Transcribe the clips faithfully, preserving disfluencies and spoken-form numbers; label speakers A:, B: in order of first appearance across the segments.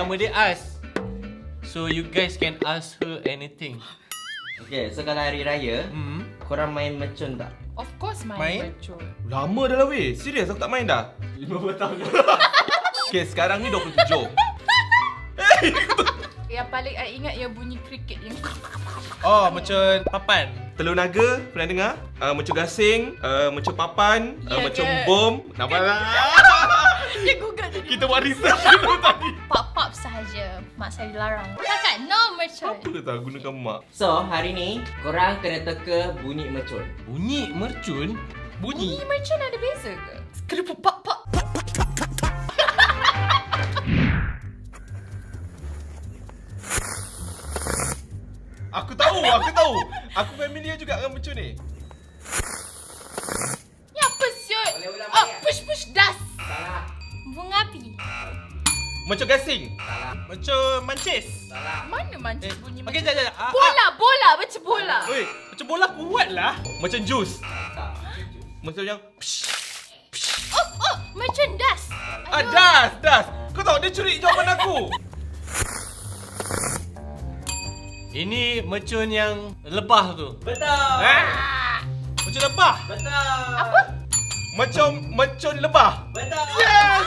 A: nama dia As. So you guys can ask her anything.
B: Okay, so kalau hari raya,
A: Hmm.
B: korang main mercun tak?
C: Of course main,
D: Main?
C: mercun.
D: Lama dah lah weh. Serius aku tak main dah.
B: lima puluh tahun.
D: Okay, sekarang ni dua puluh tujuh.
C: Yang paling I ingat yang bunyi kriket yang
D: Oh, mercun papan. Telur naga, pernah dengar? Uh, mercun gasing, uh, mercun papan, uh,
C: Ya
D: mercun
C: ke?
D: bom. Nampak lah.
C: dia Google tadi.
D: Kita buat research dulu tadi.
E: Pop-pop sahaja. Mak saya dilarang. Kakak, no mercun.
D: Apa tak gunakan mak?
B: So, hari ni, korang kena teka bunyi mercun.
A: Bunyi mercun.
C: Bunyi mercun ada beza ke? Kerupuk pop pop.
D: Aku tahu, aku tahu. Aku familiar juga dengan mercun ni.
C: Ni apa siut?
B: Boleh ulang
C: Oh,
B: balik,
C: push push das.
B: Salah.
E: Bunga api.
D: Mercun gasing.
B: Salah.
D: Mercun mancis.
B: Salah.
C: Mana mancis
D: Eh,
C: bunyi
D: okey,
C: macam
D: jap, jap. Ah,
C: bola, bola macam bola.
D: ah. Oi, macam bola kuat lah. Macam jus.
B: Tak.
D: Macam yang
E: Oh, oh, mercun das.
D: ah, das, das. Kau tahu dia curi jawapan aku.
A: Ini mercun yang lebah tu.
B: Betul.
D: Eh? Macam lebah.
B: Betul.
C: Apa?
D: Macam mercun lebah.
B: Betul.
D: Yes.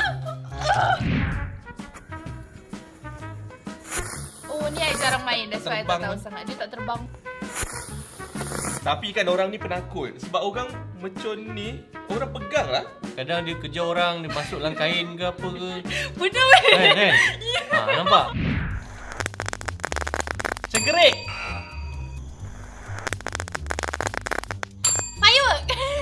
C: Oh, ni I jarang main. That's why I tak
D: Terbang
C: tahu
D: kan?
C: sangat. Dia tak terbang.
D: Tapi kan orang ni penakut. Sebab orang mercun ni, orang pegang lah.
A: Kadang dia kejar orang, dia masuk dalam kain ke apa ke.
C: Benar weh.
A: Kan, kan? Ha, nampak?
D: Cengkerik.
E: Firework.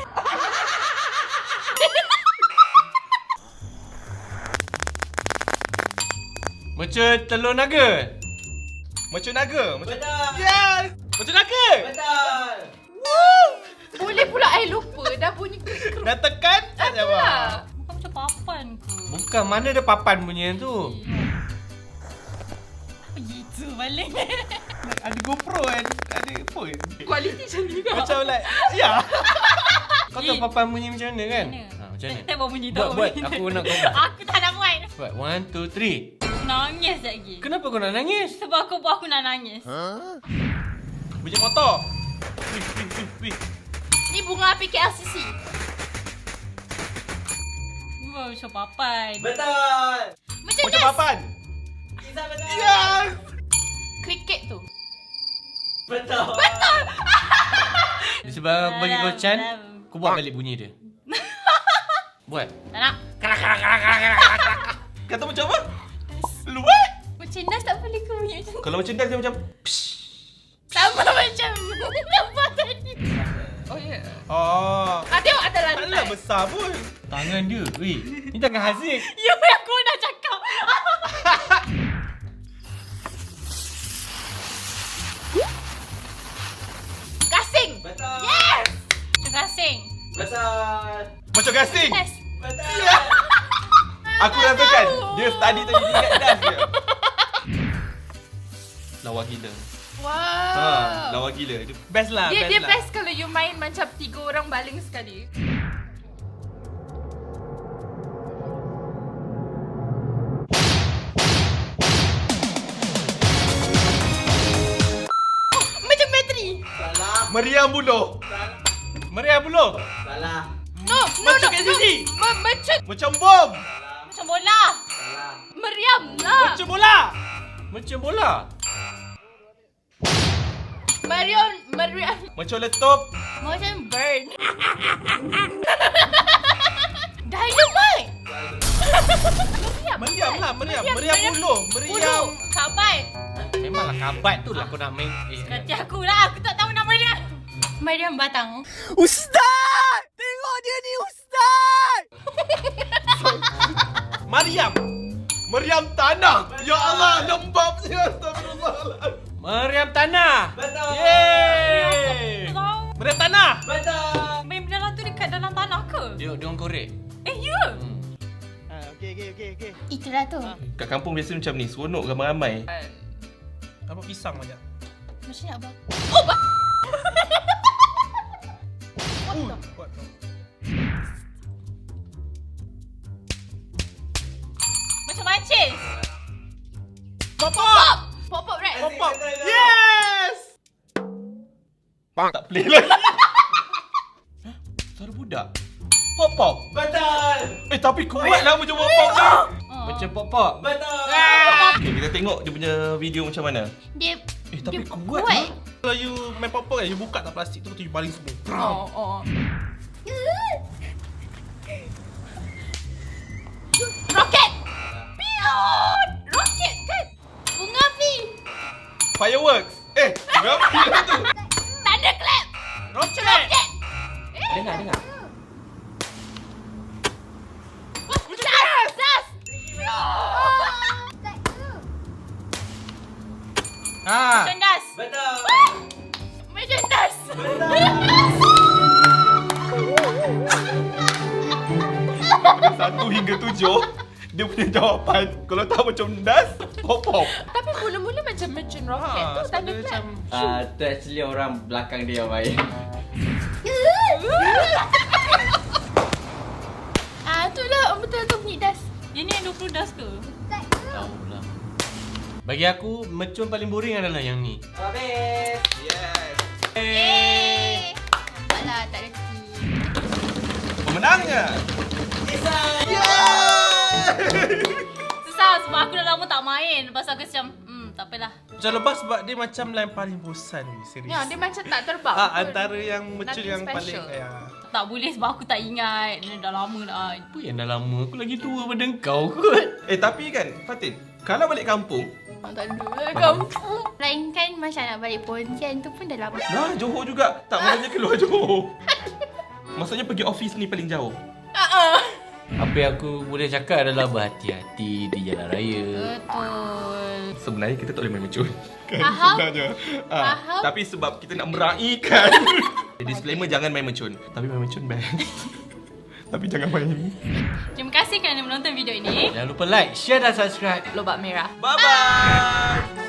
A: Mercun telur naga.
D: Mercun naga. Mercun...
B: Betul.
D: Yes. Mercun naga.
B: Betul.
C: Boleh pula I lupa. Dah bunyi keruk.
D: Dah tekan tak
C: Lah.
D: jawab.
E: Bukan macam papan ke?
A: Bukan, mana ada papan punya tu.
E: Apa gitu balik?
D: Ada GoPro kan. Ada phone.
C: Kualiti macam ni juga.
D: Macam like, ya.
A: Kau tahu papan bunyi macam mana kan?
E: Mana?
A: Ha, macam mana?
E: Saya bawa bunyi
A: Buat,
E: tahu.
A: buat. Aku nak kau buat.
E: Aku tak nak buat.
A: Buat. One, two, three.
E: Nangis lagi.
A: Kenapa kau nak nangis?
E: Sebab aku buat aku nak nangis.
D: Bunyi motor. Wih, wih, wih, wih.
C: Ni bunga api K L C C.
E: Wow, macam papan.
B: Betul.
C: Macam
D: Macam
C: das.
D: papan.
B: Izzah betul.
D: Yes.
C: Kriket tu.
B: Betul.
A: Sebab aku bagi kau chance,
E: Dalam.
A: kau buat balik bunyi dia. Buat.
E: Tak nak.
D: Kata macam apa? Luat.
E: Macam das tak boleh ke bunyi macam tu?
D: Kalau macam das dia macam
E: Sama macam nampak tadi.
C: Oh ya. Yeah.
D: oh.
C: Ah, tengok atas
D: Taklah
C: lantai.
D: besar pun.
A: Tangan dia. Weh, ni tangan Haziq.
E: Ya, aku dah cakap.
C: Gasing.
B: Betul.
C: Yes.
E: Macam gasing.
B: Betul.
D: Macam gasing.
E: Yes.
B: Betul.
D: Aku rasakan dia study tadi dia ingat das dia. Lawa gila.
C: Wow.
D: Ha, lawa gila. Dia best lah,
C: Dia
D: best
C: dia
D: lah.
C: best kalau you main macam tiga orang baling sekali. Oh, macam bateri.
B: Salah.
D: Meriam buluh.
B: Salah.
D: Meriam buluh.
B: Salah.
C: No, no,
D: Macam
C: no,
D: kat
C: no.
D: sini.
C: Ma- macam
D: Macam bom.
B: Salah.
E: Macam bola.
B: Salah.
C: meriam lah.
D: Macam bola.
A: Macam bola.
C: Meriam, meriam.
D: Macam letup.
E: Macam burn.
C: Dynamite. Meriam.
D: Meriam lah, meriam.
C: Meriam,
D: Meriam
C: meriam.
D: buluh.
C: Bulu.
D: Meriam.
C: Kabat.
A: Memanglah kabat tu lah kau nak main. Eh,
E: Kati aku lah. Aku tak tahu nama dia. Mariam Batang.
D: Ustaz! Tengok dia ni, Ustaz! Mariam. Meriam tanah. Ya Allah, lembabnya. Astagfirullahaladzim.
A: Meriam tanah.
B: Betul.
A: Yeay.
E: Tak tahu.
D: Meriam tanah.
B: Betul.
E: Main benda tu dekat dalam tanah ke?
A: Dia dia orang korek.
E: Eh, ya.
A: Hmm.
D: Ha, okey, okey, okey, okey.
E: Itulah tu.
D: Kat kampung biasa macam ni, seronok ramai-ramai.
F: Apa pisang macam?
E: Macam nak apa?
F: Uh, kuat.
E: Macam mancis.
D: Tak play lagi. Hah? Suara budak. Pop pop.
A: Betul.
D: Eh tapi kuat lah macam pop pop ni.
A: Macam pop-pop.
D: Betul. Okay, kita tengok dia punya video macam mana.
E: Dia
D: Eh tapi
E: dia
D: kuat.
E: kuat.
D: lah.
F: Kalau you main pop-pop kan, you buka tak plastik tu, tu you baling semua.
C: Oh, oh.
E: Roket. Piot. Roket kan. Bunga api.
D: Fireworks. Eh, berapa tu?
E: Thunderclap.
F: Roket!
E: Roket.
B: Dengar, dengar.
E: Sas. Sas.
A: Ha.
E: Macam das.
A: Betul.
E: Macam das.
D: Satu hingga tujuh. Dia punya jawapan. Kalau tak macam das, pop pop.
C: Tapi mula-mula macam mercun roket
F: Ha,
C: tu
F: sebab dia
C: thunderclap.
F: macam
B: Ah, tu actually orang belakang dia yang main.
C: Ah, tu lah betul tu bunyi das.
E: Dia ni yang dua puluh das ke?
A: Tahu lah. Bagi aku, mercun paling boring adalah yang ni.
B: Habis.
D: Yes.
E: Eh. Nampaklah tak reti.
D: Pemenangnya.
E: Susah sebab aku dah lama tak main. Lepas tu aku macam, hmm, tak apalah.
F: macam lepas sebab dia macam yang paling bosan ni, serius.
C: Ya, dia macam tak terbang.
F: Ah,
C: pun.
F: antara yang macam
C: Nothing
F: yang
C: special.
F: paling ya.
E: Tak boleh sebab aku tak ingat. Dia dah lama dah.
A: Apa yang dah lama? Aku lagi tua pada kau kot.
D: Eh tapi kan, Fatin, kalau balik kampung,
C: Ah, tak ada lah kampung.
E: Melainkan macam nak balik Pontian tu pun dah lama.
D: nah Johor juga. Tak maksudnya keluar Johor. Maksudnya pergi office ni paling jauh.
A: Apa yang aku boleh cakap adalah berhati-hati di jalan raya.
E: Betul.
D: Sebenarnya kita tak boleh main mercun. Kan
E: Faham?
D: sebenarnya. Ah,
E: Faham?
D: tapi sebab kita nak meraihkan. Disclaimer, jangan main mercun. Tapi main mercun best. Tapi jangan main.
E: Terima kasih kerana menonton video ini.
A: Jangan lupa like, share dan subscribe.
C: Lobak merah.
D: Bye bye.